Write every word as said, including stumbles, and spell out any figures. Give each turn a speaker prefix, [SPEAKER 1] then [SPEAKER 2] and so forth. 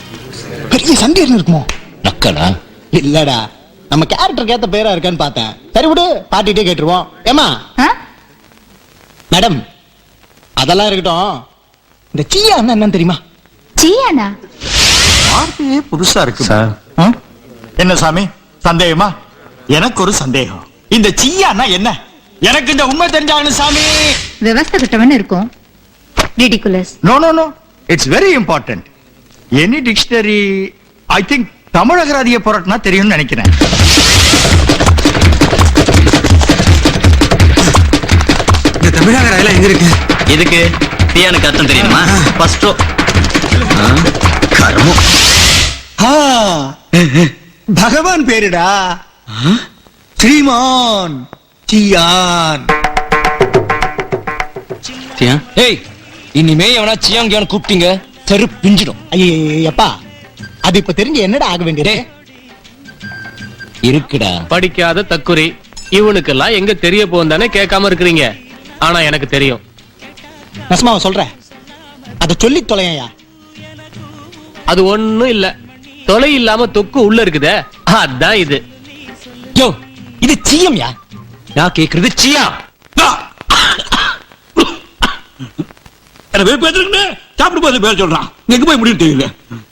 [SPEAKER 1] பெரிய சண்டை இருக்குமோ?
[SPEAKER 2] நக்கலா?
[SPEAKER 1] இல்லடா, நம்ம கேரக்டருக்கு ஏத்த பேரா இருக்கான்னு பார்த்தேன். சரி விடு, பாட்டிட்டே கேட்டுருவோம். ஏமா மேடம், அதெல்லாம் இருக்கட்டும், இந்த சீயா என்னன்னு தெரியுமா?
[SPEAKER 3] சீயானா?
[SPEAKER 4] வார்த்தையே புதுசா இருக்கு
[SPEAKER 2] சார்.
[SPEAKER 4] என்ன சாமி சந்தேகமா? எனக்கு ஒரு சந்தேகம். இந்த சீயானா என்ன? எனக்கு இந்த உண்மை தெரிஞ்சாகணும் சாமி.
[SPEAKER 3] விவசாய கிட்டவன் இருக்கும். Ridiculous.
[SPEAKER 4] No no no, it's very important. Any dictionary, I think தமிழகராதிய புரட்டினா தெரியும்னு நினைக்கிறேன்.
[SPEAKER 5] இந்த தமிழகராதில எங்க இருக்கு?
[SPEAKER 2] இதுக்கு தீயானுக்கு அர்த்தம் தெரியுமா? ஃபர்ஸ்ட் கர்மம்.
[SPEAKER 1] பகவான் பேருடா, ஸ்ரீமான் சியான்.
[SPEAKER 2] ஏய், இனிமே எவனா சியாங் கியான் கூப்பிட்டீங்க தெரு பிஞ்சிடும்.
[SPEAKER 1] ஐயப்பா, அது இப்ப தெரிஞ்சு என்னடா ஆக வேண்டியது
[SPEAKER 2] இருக்குடா.
[SPEAKER 6] படிக்காத தக்குரி இவனுக்கெல்லாம் எங்க தெரிய போந்தானே கேட்காம இருக்கிறீங்க. ஆனா எனக்கு தெரியும்.
[SPEAKER 1] நஸ்மாவை சொல்ற, அத சொல்லி தொலையா.
[SPEAKER 6] அது ஒண்ணும் இல்ல, தொலை இல்லாம தொக்கு உள்ள இருக்குதே, அதான் இது.
[SPEAKER 2] யோ, இது சியம்யா. நான் கேக்குறது சியா.
[SPEAKER 7] சாப்பிட்டு போது பேர் சொல்றான். எங்க போய் முடியும் தெரியல.